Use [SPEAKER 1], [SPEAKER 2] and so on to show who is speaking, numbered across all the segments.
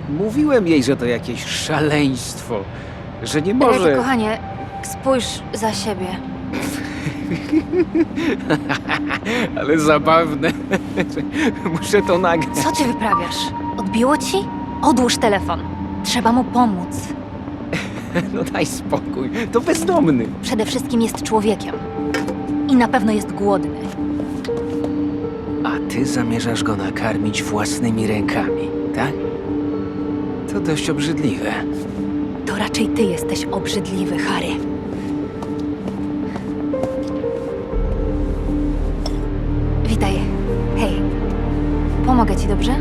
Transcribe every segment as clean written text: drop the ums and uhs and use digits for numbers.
[SPEAKER 1] Mówiłem jej, że to jakieś szaleństwo, że nie
[SPEAKER 2] Ricky,
[SPEAKER 1] może...
[SPEAKER 2] kochanie, spójrz za siebie.
[SPEAKER 1] Ale zabawne. Muszę to nagrać.
[SPEAKER 2] Co ty wyprawiasz? Odbiło ci? Odłóż telefon. Trzeba mu pomóc.
[SPEAKER 1] No daj spokój, to bezdomny.
[SPEAKER 2] Przede wszystkim jest człowiekiem. I na pewno jest głodny.
[SPEAKER 1] A ty zamierzasz go nakarmić własnymi rękami, tak? To dość obrzydliwe.
[SPEAKER 2] To raczej ty jesteś obrzydliwy, Harry. Witaj. Hej. Pomogę ci, dobrze?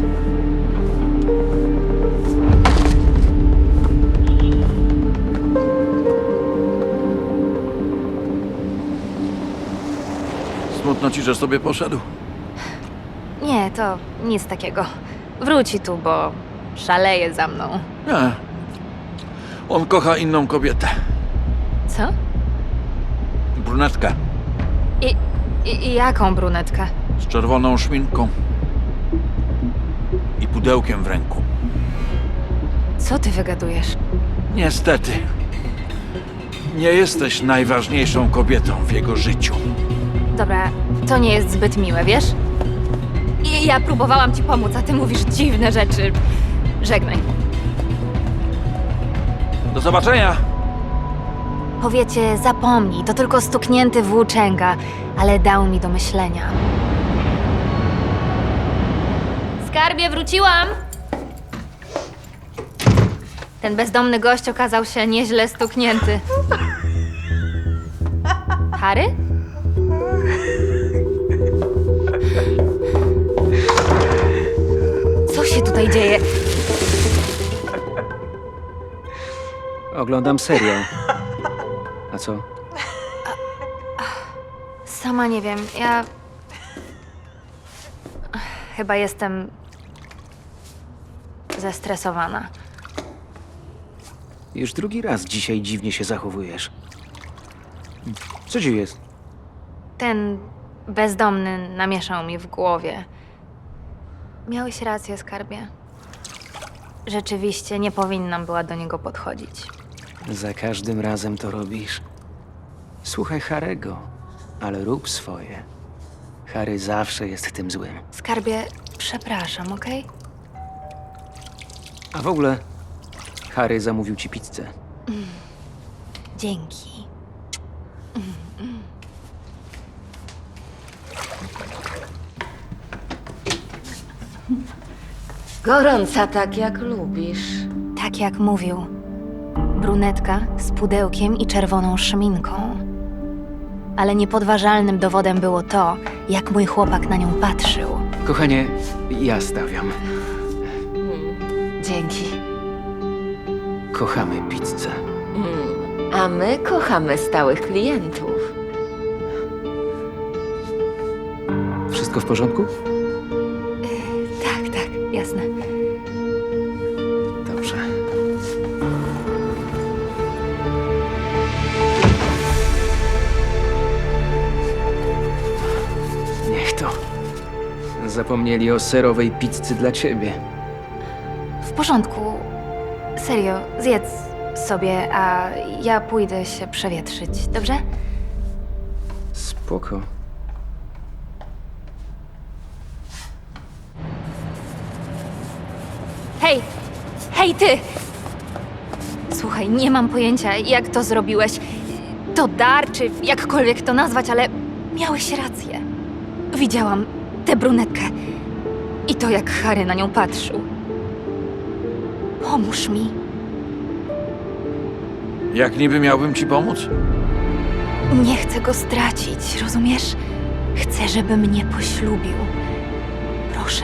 [SPEAKER 3] Smutno ci, że sobie poszedł?
[SPEAKER 2] Nie, to nic takiego. Wróci tu, bo szaleje za mną.
[SPEAKER 3] Nie. On kocha inną kobietę.
[SPEAKER 2] Co?
[SPEAKER 3] Brunetkę.
[SPEAKER 2] I jaką brunetkę?
[SPEAKER 3] Z czerwoną szminką. I pudełkiem w ręku.
[SPEAKER 2] Co ty wygadujesz?
[SPEAKER 3] Niestety. Nie jesteś najważniejszą kobietą w jego życiu.
[SPEAKER 2] Dobra, to nie jest zbyt miłe, wiesz? I ja próbowałam ci pomóc, a ty mówisz dziwne rzeczy. Żegnaj.
[SPEAKER 3] Do zobaczenia!
[SPEAKER 2] Powiecie, zapomnij, to tylko stuknięty włóczęga, ale dał mi do myślenia. Skarbie, wróciłam! Ten bezdomny gość okazał się nieźle stuknięty. Harry? Co się tutaj dzieje?
[SPEAKER 1] Oglądam serial. A co?
[SPEAKER 2] Sama nie wiem, ja... Chyba jestem... zestresowana.
[SPEAKER 1] Już drugi raz dzisiaj dziwnie się zachowujesz. Co ci jest?
[SPEAKER 2] Ten bezdomny namieszał mi w głowie. Miałeś rację, skarbie. Rzeczywiście nie powinnam była do niego podchodzić.
[SPEAKER 1] Za każdym razem to robisz. Słuchaj Harego, ale rób swoje. Harry zawsze jest tym złym.
[SPEAKER 2] Skarbie, przepraszam, okej?
[SPEAKER 1] A w ogóle, Harry zamówił ci pizzę.
[SPEAKER 2] Dzięki.
[SPEAKER 4] Gorąca tak jak lubisz.
[SPEAKER 2] Tak jak mówił. Brunetka z pudełkiem i czerwoną szminką. Ale niepodważalnym dowodem było to, jak mój chłopak na nią patrzył.
[SPEAKER 1] Kochanie, ja stawiam.
[SPEAKER 4] Dzięki.
[SPEAKER 1] Kochamy pizzę.
[SPEAKER 4] A my kochamy stałych klientów.
[SPEAKER 1] Wszystko w porządku?
[SPEAKER 2] Tak, tak, jasne.
[SPEAKER 1] Dobrze. Niech to. Zapomnieli o serowej pizzy dla ciebie.
[SPEAKER 2] W porządku. Serio, zjedz sobie, a ja pójdę się przewietrzyć, dobrze?
[SPEAKER 1] Spoko.
[SPEAKER 2] Hej! Hej, ty! Słuchaj, nie mam pojęcia, jak to zrobiłeś. To dar, czy jakkolwiek to nazwać, ale miałeś rację. Widziałam tę brunetkę i to, jak Harry na nią patrzył. Pomóż mi.
[SPEAKER 3] Jak niby miałbym ci pomóc?
[SPEAKER 2] Nie chcę go stracić, rozumiesz? Chcę, żeby mnie poślubił. Proszę.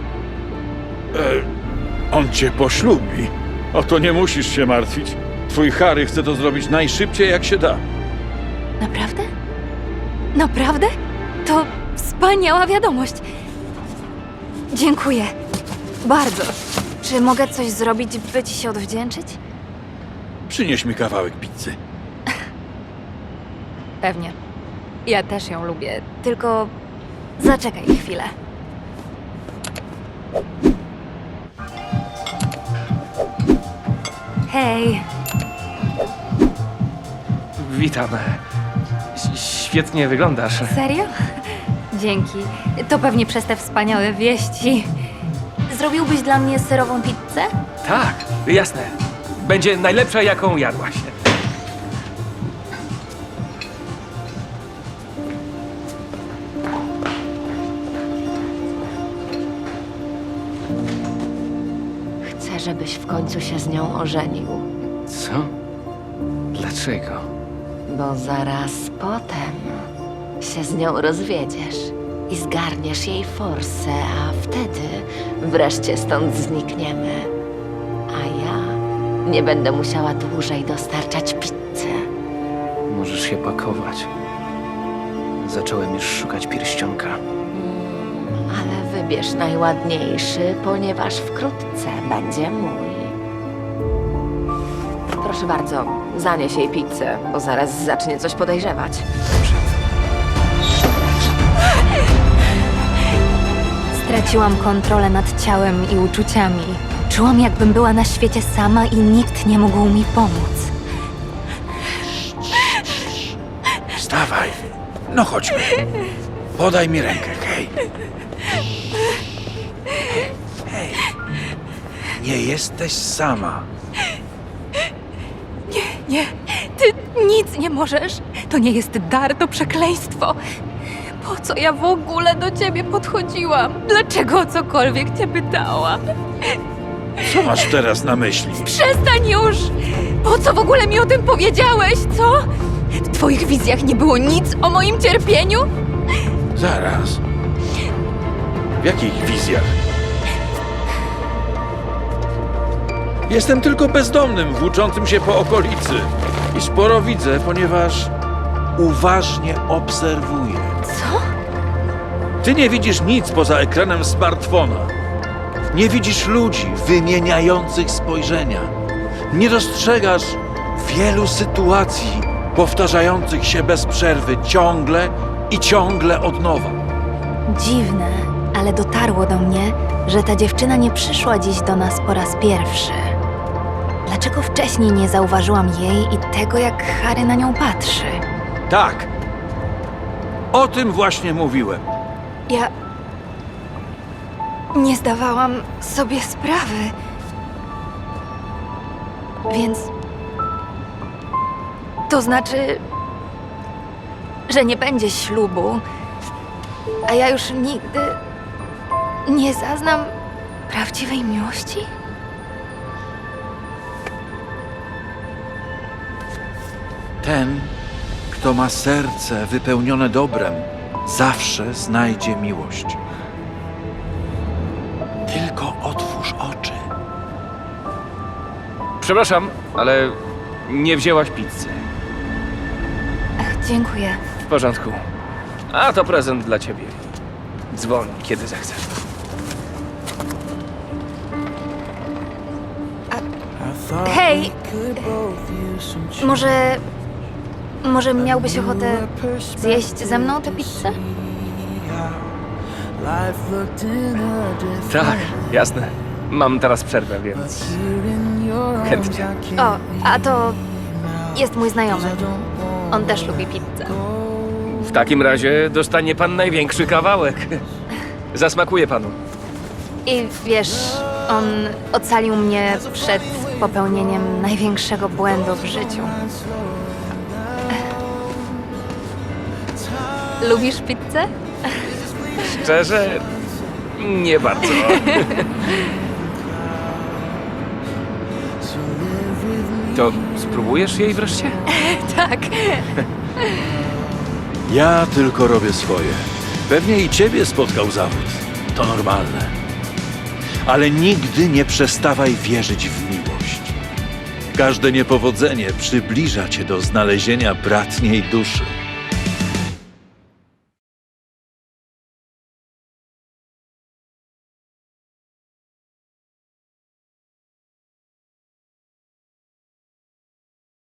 [SPEAKER 3] On cię poślubi. O to nie musisz się martwić. Twój Harry chce to zrobić najszybciej jak się da.
[SPEAKER 2] Naprawdę? Naprawdę? To wspaniała wiadomość. Dziękuję. Bardzo. Czy mogę coś zrobić, by ci się odwdzięczyć?
[SPEAKER 3] Przynieś mi kawałek pizzy.
[SPEAKER 2] Pewnie. Ja też ją lubię. Tylko zaczekaj chwilę. Hej,
[SPEAKER 5] Witam. Świetnie wyglądasz.
[SPEAKER 2] serio? Dzięki. To pewnie przez te wspaniałe wieści. Zrobiłbyś dla mnie serową pizzę?
[SPEAKER 5] Tak, jasne. Będzie najlepsza, jaką jadłaś.
[SPEAKER 4] Chcę, żebyś w końcu się z nią ożenił,
[SPEAKER 1] Co? Dlaczego?
[SPEAKER 4] bo zaraz potem się z nią rozwiedziesz i zgarniesz jej forsę, a wtedy wreszcie stąd znikniemy. A ja nie będę musiała dłużej dostarczać pizzy.
[SPEAKER 1] Możesz się pakować. Zacząłem już szukać pierścionka.
[SPEAKER 4] Ale wybierz najładniejszy, ponieważ wkrótce będzie mój. Proszę bardzo, zanieś jej pizzę, bo zaraz zacznie coś podejrzewać.
[SPEAKER 2] Straciłam kontrolę nad ciałem i uczuciami. Czułam, jakbym była na świecie sama i nikt nie mógł mi pomóc.
[SPEAKER 3] Wstawaj. No chodźmy. Podaj mi rękę, hej. Hej. Nie jesteś sama.
[SPEAKER 2] Nie, ty nic nie możesz. To nie jest dar, to przekleństwo. Po co ja w ogóle do ciebie podchodziłam? Dlaczego o cokolwiek cię pytałam?
[SPEAKER 3] Co masz teraz na myśli?
[SPEAKER 2] Przestań już! Po co w ogóle mi o tym powiedziałeś, co? W twoich wizjach nie było nic o moim cierpieniu?
[SPEAKER 3] Zaraz. W jakich wizjach? Jestem tylko bezdomnym, włóczącym się po okolicy. I sporo widzę, ponieważ uważnie obserwuję.
[SPEAKER 2] Co?
[SPEAKER 3] Ty nie widzisz nic poza ekranem smartfona. Nie widzisz ludzi wymieniających spojrzenia. Nie dostrzegasz wielu sytuacji powtarzających się bez przerwy ciągle i ciągle od nowa.
[SPEAKER 2] Dziwne, ale dotarło do mnie, że ta dziewczyna nie przyszła dziś do nas po raz pierwszy. Dlaczego wcześniej nie zauważyłam jej i tego, jak Harry na nią patrzy?
[SPEAKER 3] Tak. O tym właśnie mówiłem.
[SPEAKER 2] Ja nie zdawałam sobie sprawy. Więc to znaczy, że nie będzie ślubu, a ja już nigdy nie zaznam prawdziwej miłości?
[SPEAKER 3] Ten, kto ma serce wypełnione dobrem, zawsze znajdzie miłość. Tylko otwórz oczy.
[SPEAKER 5] Przepraszam, ale nie wzięłaś pizzy.
[SPEAKER 2] Ach, dziękuję.
[SPEAKER 5] W porządku. A to prezent dla ciebie. Dzwoń, kiedy zechcesz.
[SPEAKER 2] Hej! Może miałbyś ochotę zjeść ze mną tę pizzę?
[SPEAKER 5] Tak, jasne. Mam teraz przerwę, więc chętnie.
[SPEAKER 2] O, a to jest mój znajomy. On też lubi pizzę.
[SPEAKER 5] W takim razie dostanie pan największy kawałek. Zasmakuje panu.
[SPEAKER 2] I wiesz, on ocalił mnie przed popełnieniem największego błędu w życiu. Lubisz pizzę?
[SPEAKER 5] Szczerze, nie bardzo. To spróbujesz jej wreszcie?
[SPEAKER 2] Tak.
[SPEAKER 3] Ja tylko robię swoje. Pewnie i ciebie spotkał zawód. To normalne. Ale nigdy nie przestawaj wierzyć w miłość. Każde niepowodzenie przybliża cię do znalezienia bratniej duszy.